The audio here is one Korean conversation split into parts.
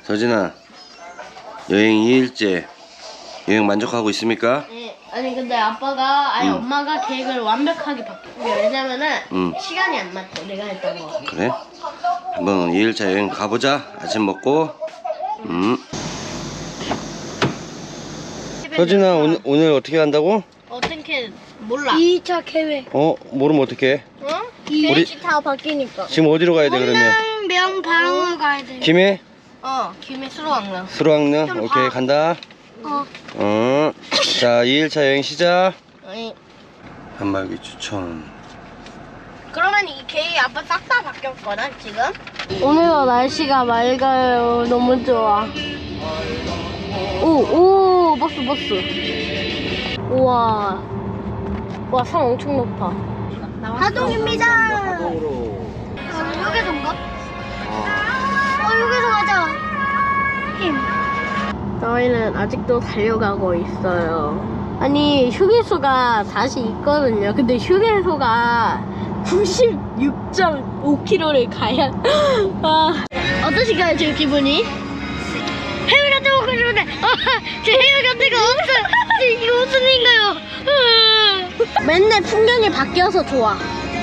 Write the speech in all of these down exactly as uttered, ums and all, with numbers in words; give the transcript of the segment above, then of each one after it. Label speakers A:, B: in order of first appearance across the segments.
A: 서진아, 여행 이 일째 여행 만족하고 있습니까?
B: 네. 아니 근데 아빠가 아니
A: 응.
B: 엄마가 계획을 완벽하게 바뀌고 왜냐면은
A: 응.
B: 시간이 안 맞대 내가 했던 거.
A: 그래? 한번 이 일차 여행 가보자. 아침 먹고. 음. 서진아, 오늘, 오늘 어떻게 간다고?
B: 어떻게 몰라.
C: 이 차 계획.
A: 어? 모르면 어떡해?
B: 어?
C: 이
A: 우리-
C: 차 다 바뀌니까.
A: 지금 어디로 가야 돼 그러면?
C: 명방을 가야 돼.
A: 김해?
B: 어 김해 수로왕릉.
A: 수로왕릉?
C: 좀
A: 오케이,
C: 봐.
A: 간다.
C: 어.
A: 어. 자, 이 일차 여행 시작.
B: 아니
A: 한말기 추천.
B: 그러면 이 계획이 아빠 싹 다 바뀌었거든 지금.
C: 오늘도 날씨가 맑아요. 너무 좋아. 오, 오, 버스, 버스. 우와. 와, 산 엄청 높아. 하동입니다.
A: 하동으로.
C: 여기서인가? 어, 여기서 가자. 힘.
B: 저희는 아직도 달려가고 있어요. 아니 휴게소가 다시 있거든요. 근데 휴게소가 구십육 점 오 킬로미터를 가야 아, 어떠신가요 지금 기분이?
C: 해외 같은 거 가고 싶은데, 아, 제 해외 같은 거 없어. 제 이거 무슨 일인가요?
B: 맨날 풍경이 바뀌어서 좋아.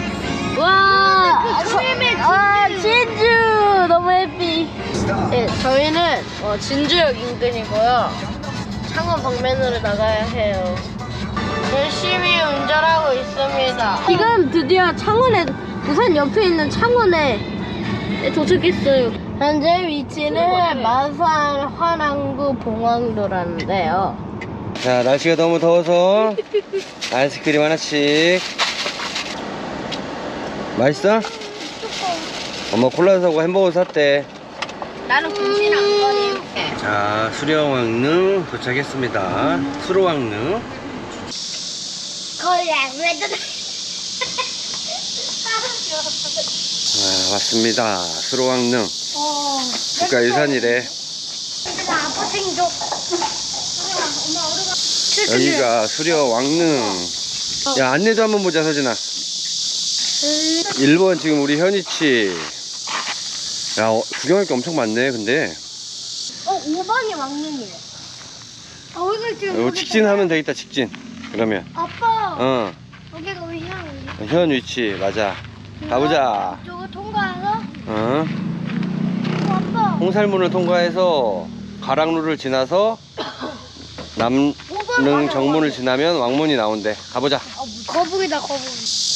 B: 와,
C: 조심해,
B: 아, 진주 너무 해피. 네, 저희는 어, 진주역 인근이고요. 창원 방면으로 나가야 해요. 열심히 운전하고 있습니다. 지금 드디어 창원에 부산 옆에 있는 창원에 도착했어요. 현재 위치는 마산 화랑구 봉황도라는데요.
A: 자, 날씨가 너무 더워서 아이스크림 하나씩. 맛있어? 엄마 콜라 사고 햄버거 샀대.
B: 나는 군신 안 거니.
A: 자, 수려왕릉 도착했습니다. 수로왕릉.
C: 거의 왜
A: 아, 왔습니다. 수로왕릉.
C: 어.
A: 국가유산이래.
C: 내가 아빠 생겨. 엄마 어디가?
A: 여기가 수려왕릉. 야, 안내도 한번 보자, 서진아. 일 번 지금 우리 현이치. 야, 어, 구경할 게 엄청 많네, 근데.
C: 어, 오 번이 왕릉이래. 아, 여기 지금.
A: 이거 직진하면 되겠다, 직진. 그러면.
C: 아빠.
A: 어,
C: 여기가 우리 향.
A: 현 위치, 맞아. 가보자.
C: 저거 통과해서.
A: 어?
C: 어, 아빠.
A: 홍살문을 통과해서 가락루를 지나서 남릉 정문을 지나면 왕문이 나온대. 가보자.
C: 거북이다, 거북이.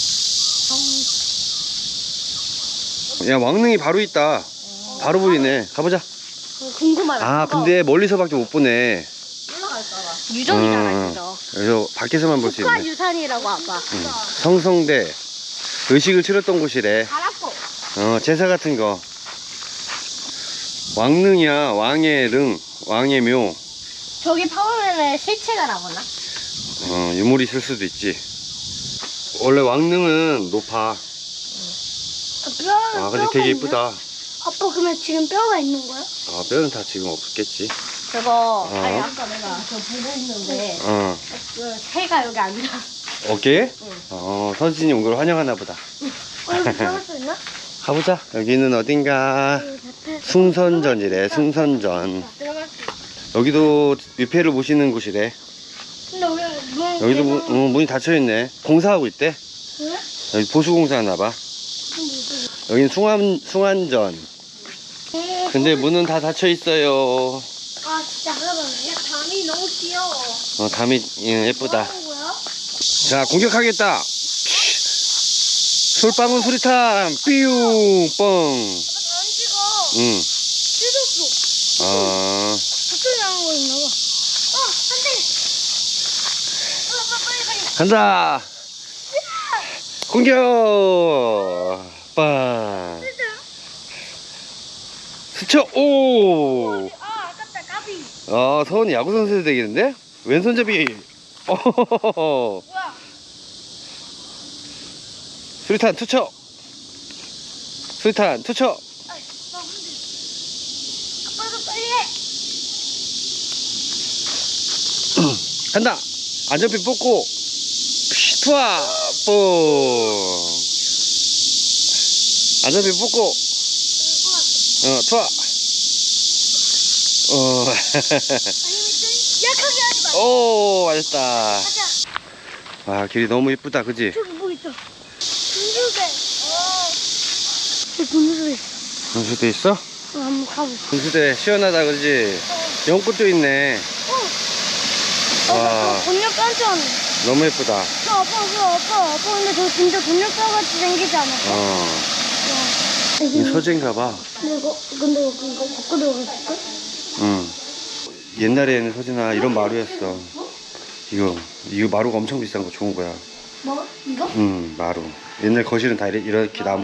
A: 야, 왕릉이 바로 있다. 바로 보이네. 가보자.
B: 궁금하다.
A: 아, 근데 멀리서밖에 못 보네.
B: 유정이잖아,
A: 어,
B: 유정.
A: 그래서 밖에서만 볼 수 있네.
B: 국가유산이라고 아빠.
A: 응. 성성대 의식을 치렀던 곳이래.
B: 알았어.
A: 어, 제사 같은 거. 왕릉이야. 왕의 릉, 왕의 묘.
B: 저기 파보면은 실체가 나오나?
A: 어, 유물이 있을 수도 있지. 원래 왕릉은 높아.
C: 뼈,
A: 아, 근데 되게 이쁘다.
C: 아빠, 그러면 지금 뼈가 있는 거야?
A: 아, 뼈는 다 지금 없겠지.
B: 저거
A: 어.
B: 아니 아까 내가 저 보고 있는데
A: 어,
B: 그 새가 여기 앉아.
A: 어깨?
B: 응.
A: 어, 선진이 온 걸 환영하나 보다.
C: 어, 여기 들어갈 수 있나?
A: 가보자. 여기는 어딘가. 숭선전이래, 숭선전.
C: 들어갈 수 있어.
A: 여기도 위패를 모시는 곳이래.
C: 근데 왜, 문.
A: 여기도 문, 어, 문이 닫혀있네. 공사하고 있대.
C: 왜?
A: 여기 보수공사 하나봐. 여긴 숭안, 숭안전. 근데 문은 다 닫혀있어요.
C: 아, 진짜. 잠깐만. 야, 담이 너무 귀여워.
A: 어, 담이 예, 예쁘다.
C: 뭐 하는 거야?
A: 자, 공격하겠다. 솔방울 수리탄. 삐용 뻥.
C: 안 찍어.
A: 응.
C: 찢었어.
A: 어,
C: 갑자기 나온 거 있나 봐. 어, 안 돼. 어, 아빠 빨리 빨리.
A: 간다. 공격. 빵. 스쳐. 오.
C: 아, 아깝다. 까비.
A: 아, 서원이 야구 선수 되겠는데? 왼손잡이. 어허허허.
C: 뭐야?
A: 수리탄 투척. 수리탄 투척.
C: 아, 나 근데. 아빠도 빨리 해.
A: 간다. 안전핀 뽑고. 피, 투아. 뽕. 안전핀 뽑고. 어, 투아.
C: 약하게 하지 마.
A: 오, 맞았다.
C: 가자.
A: 와, 길이 너무 예쁘다, 그지?
C: 저기 뭐 있어? 분수대. 어. 저기 분수대 있어.
A: 분수대 있어?
C: 어, 한번 가보자.
A: 분수대 시원하다, 그지? 연꽃도 있네.
C: 어,
A: 와.
C: 나 저거 곤약 깜짝 놀랐네.
A: 너무 예쁘다.
C: 저 아빠, 저 아빠, 아빠 근데 저 진짜 곤약과같이 생기지 않았어?
A: 어,
C: 와.
A: 이 서재인가 봐.
C: 근데 이거, 근데 이거, 이거 바꿔 들어갔을까?
A: 응. 옛날에는 서진아 이런 마루였어. 이거 이거 마루가 엄청 비싼 거 좋은 거야.
C: 뭐? 이거?
A: 응, 마루. 옛날 거실은 다 이래- 이렇게 나무로.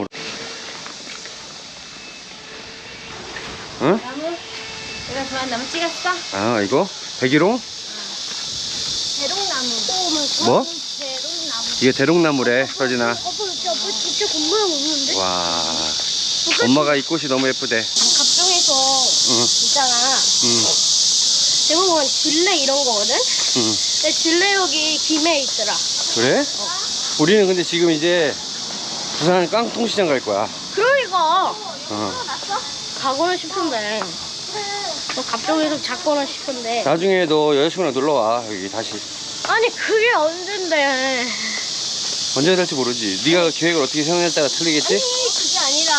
A: 응?
B: 나무? 내가 좋아하는 나무 찍었어?
A: 아, 이거 백일홍?
B: 대롱나무.
A: 뭐?
B: 대롱나무.
A: 이게 대롱나무래, 서진아.
C: 아빠 진짜, 아빠 진짜 곤모양 없는데?
A: 와, 엄마가 이 꽃이 너무 예쁘대.
B: 갑종에서
A: 응,
B: 있잖아.
A: 응,
B: 대부분 진레 이런 거거든?
A: 응.
B: 근데 진레 여기 김해에 있더라.
A: 그래? 우리는 근데 지금 이제 부산 깡통시장 갈 거야.
B: 그러니까
A: 어.
B: 가고는 싶은데 뭐 갑종에서 잡고는 싶은데
A: 나중에 너 여자친구랑 놀러 와, 여기 다시.
B: 아니 그게 언젠데
A: 언제 될지 모르지. 네가 계획을 어떻게 세우냐에 따라 틀리겠지?
B: 아니 그게 아니라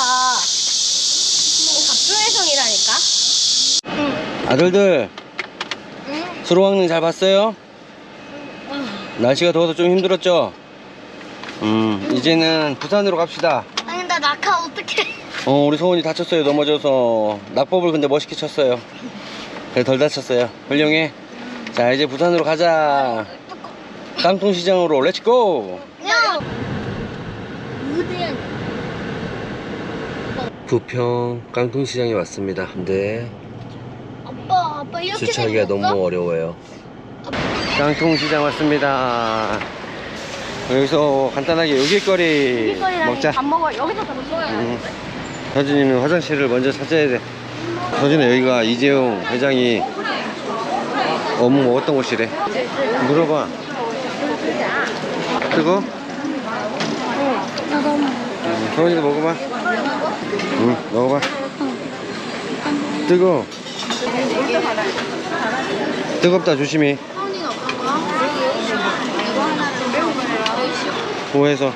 B: 갑종해성이라니까.
A: 아들들,
B: 응?
A: 수로왕릉 잘 봤어요? 날씨가 더워서 좀 힘들었죠? 음, 이제는 부산으로 갑시다.
C: 아니, 나 낙하 어떡해.
A: 어, 우리 소원이 다쳤어요. 넘어져서. 낙법을 근데 멋있게 쳤어요. 그래, 덜 다쳤어요. 훌륭해. 자, 이제 부산으로 가자. 깡통시장으로 렛츠고!
C: 야!
A: 부평 깡통시장에 왔습니다. 근데
C: 아빠, 아빠 이렇게
A: 주차하기가
C: 생겼어?
A: 너무 어려워요. 깡통시장 왔습니다. 여기서 간단하게 요깃거리 먹자.
B: 밥 먹어. 여기서 밥 먹어야
A: 음. 서진이는 화장실을 먼저 찾아야 돼. 서진아, 여기가 이재용 회장이 어묵 먹었던 곳이래. 물어봐. 뜨거?
C: 나도 한번.
A: 음, 서진이도 먹어봐. 응, 먹어봐. 뜨거. 뜨겁다, 조심히. 보해서.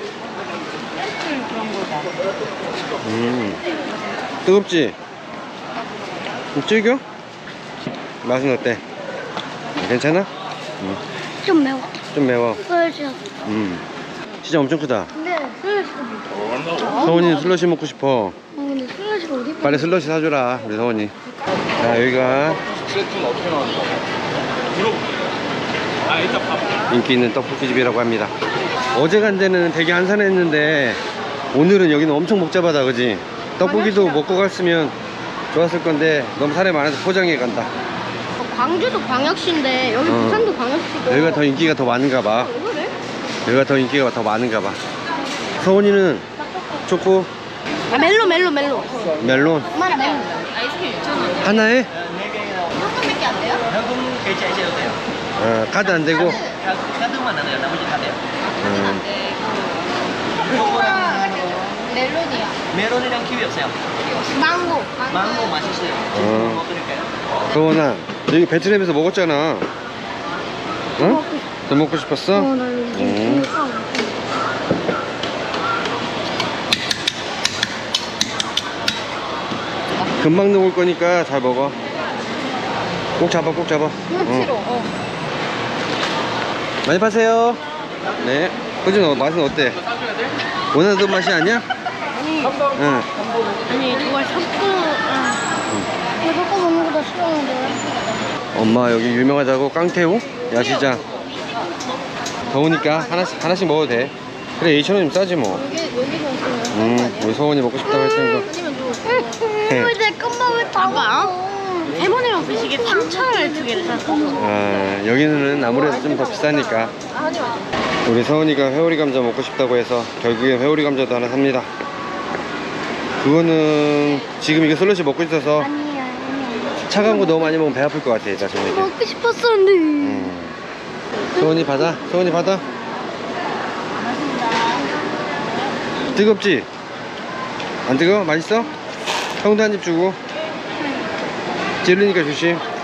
A: 음, 뜨겁지? 좀 질겨? 맛은 어때? 괜찮아? 음,
C: 좀 매워.
A: 좀 매워.
C: 그렇지.
A: 음, 진짜 엄청 크다.
C: 근데 슬러시 어
A: 서원이는 슬러시 먹고 싶어.
C: 근데 슬러시가 어디?
A: 빨리 슬러시 사주라, 우리 서원이. 자, 여기가 인기 있는 떡볶이집이라고 합니다. 어제 간 데는 되게 한산했는데 오늘은 여기는 엄청 복잡하다, 그지? 떡볶이도 먹고 갔으면 좋았을 건데 너무 사람이 많아서 포장해 간다.
B: 광주도 광역시인데 여기
A: 어.
B: 부산도 광역시고.
A: 여기가 더 인기가 더 많은가 봐.
B: 왜 그래?
A: 여기가 더 인기가 더 많은가 봐. 서원이는 초코,
B: 아 멜로 멜로 멜로.
A: 멜론
B: 엄마는 멜로. 아이스크림 육천 원.
A: 하나에
B: 현금밖에 안 돼요?
D: 현금 결제하셔도 돼요.
A: 어, 카드 안 되고.
D: 카- 카드만 안 돼요. 나머지 다 돼요.
A: 음,
B: 멜론이야.
D: 메론이랑 키위 없어요.
B: 망고.
D: 망고 맛있어요.
A: 어.
D: 뭐 드릴까요?
A: 서원아, 여기 베트남에서 먹었잖아. 응? 더 먹고 싶었어?
C: 어, 나 여기
A: 음.
C: 이거 사.
A: 금방 녹을 거니까 잘 먹어. 꼭 잡아, 꼭 잡아.
B: 그렇지로.
A: 응.
B: 어.
A: 많이 파세요. 네. 호진, 어, 맛은 어때? 원하던 맛이 아니야?
B: 아니
A: 응.
B: 아니 그걸 섞고. 아.
C: 이거 섞어 먹는 거 나 싫어하는데.
A: 엄마 여기 유명하다고 깡태우 야시장. 더우니까 하나씩 하나씩 먹어도 돼. 그래, 이천 원이면 싸지 뭐.
B: 여기 여기서 있으면
A: 음, 우리 서원이 먹고 싶다고 했으니까.
B: 아니면 또
C: 왜 내 것만 왜다
B: 아빠?
C: 먹어?
B: 해머니랑 드시게 삼 차를 두 개를 샀어.
A: 아, 여기는 아무래도 좀 더 비싸니까. 우리 서원이가 회오리 감자 먹고 싶다고 해서 결국엔 회오리 감자도 하나 삽니다. 그거는 지금 이거 슬러시 먹고 있어서
C: 아니야, 아니야.
A: 차가운 거 너무 많이 먹으면 배 아플 것 같아, 나 저녁에.
C: 먹고 싶었었는데.
A: 음. 서원이 받아, 서원이 받아. 뜨겁지? 안 뜨거워? 맛있어? 형도 한 입 주고. 찌르니까 조심.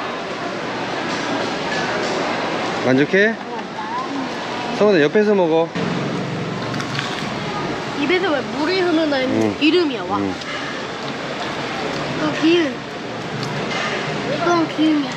A: 만족해? 서원아 옆에서 먹어.
B: 입에서 왜 물이 흐르는
A: 응.
B: 이름이야 와.
A: 응.
C: 또 기름. 이건 기름이야.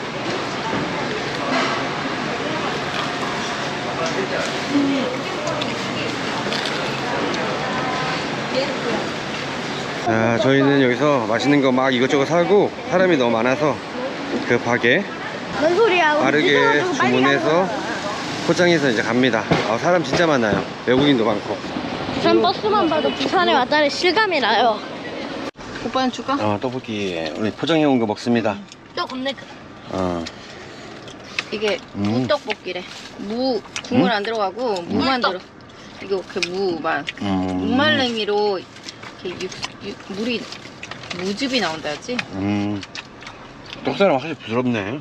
A: 자, 저희는 여기서 맛있는 거 막 이것저것 사고 사람이 너무 많아서 급하게
B: 뭔 소리야? 우리
A: 빠르게
B: 늦어가지고 빨리
A: 주문해서
B: 가는 거야.
A: 포장해서 이제 갑니다. 아, 사람 진짜 많아요. 외국인도 많고.
B: 부산 버스만 봐도 부산에 왔다는 실감이 나요.
E: 오빠는 줄까?
A: 어, 떡볶이 우리 포장해 온 거 먹습니다.
B: 또 겁내 크.
A: 어.
E: 이게
A: 음.
E: 무떡볶이래. 무 국물
A: 음?
E: 안 들어가고 무만
B: 물떡.
E: 들어. 이거 그 무만
A: 음.
E: 무말랭이로 이렇게 육, 육, 물이 무즙이 나온다 했지?
A: 음. 떡사람 확실히 부드럽네.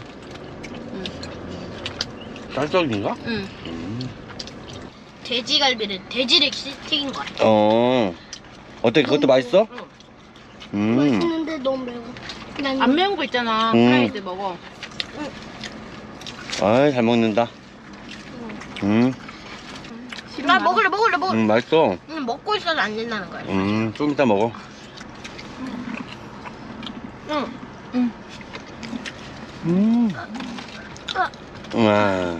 A: 쌀떡인가?
E: 응.
A: 음.
B: 돼지갈비는 돼지를 튀긴 거야.
A: 어. 어때? 그것도 맛있어?
B: 응.
A: 음.
C: 맛있는데 너무 매워. 난
E: 안 매운 거 있잖아.
A: 음.
E: 프라이드 먹어.
A: 아이, 잘 먹는다. 음.
B: 나 먹을래 먹을래 먹을래.
A: 음, 맛있어.
B: 응, 먹고 있어도 안 된다는 거야.
A: 음, 좀 이따 먹어.
B: 응.
A: 음. 와.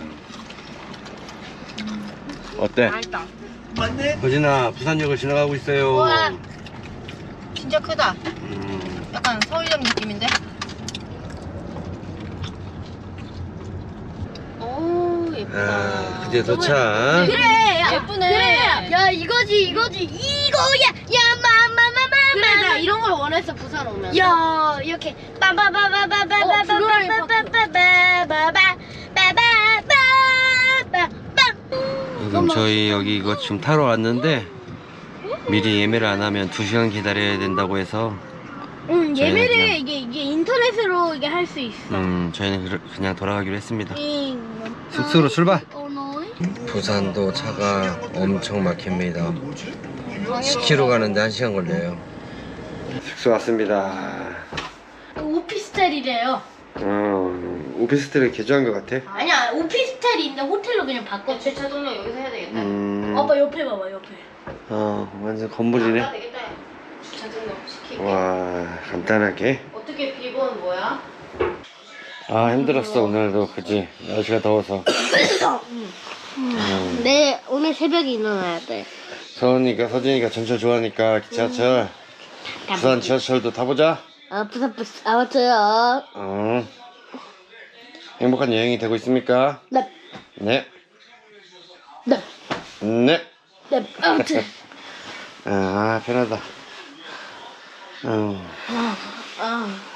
A: 어때?
E: 맛있다.
A: 거진아, 부산역을 지나가고 있어요.
E: 우와. 진짜 크다.
A: 음.
E: 약간 서울역 느낌인데? 오 예쁘다.
A: 아, 드디어 도착.
B: 그래. 야,
E: 예쁘네.
B: 그래.
C: 야 이거지 이거지 이거야. 야 마마마마마.
B: 그래 나 이런 걸 원했어 부산 오면.
C: 야 이렇게
B: 어, 블루라인
A: 지금 저희 여기 이거 지금 타러 왔는데 미리 예매를 안 하면 두 시간 기다려야 된다고 해서
B: 응
A: 저희는
B: 예매를
A: 그냥-
B: 이게 이게 인터넷으로 이게 할 수 있어.
A: 음 저희는 그러- 그냥 돌아가기로 했습니다.
B: 응.
A: 숙소로 출발.
C: 어너이.
A: 부산도 차가 엄청 막힙니다. 십 킬로미터 가는데 한 시간 걸려요. 숙소 왔습니다.
B: 오피스텔이래요.
A: 어, 오피스텔을 개조한 것 같아.
B: 아니야 오피스텔이 있는데 호텔로 그냥 바꿨.
E: 주차 동력 여기서 해야 되겠다.
A: 음,
B: 아빠 옆에 봐봐 옆에.
A: 어, 완전 건물이네.
E: 아, 되겠다. 주차 동력 시키게.
A: 와, 간단하게.
E: 어떻게 비번 뭐야?
A: 아, 힘들었어 오늘도. 그지? 날씨가 더워서. 음,
C: 내 오늘 새벽에 일어나야 돼.
A: 서은이가 서진이가 전철 좋아하니까 지하철. 부산 지하철도 타보자.
C: 아 부산 버스 아무튼
A: 어. 행복한 여행이 되고 있습니까?
C: 네.
A: 네.
C: 네.
A: 네.
C: 네. 아무튼
A: 아, 편하다. 어.
C: 아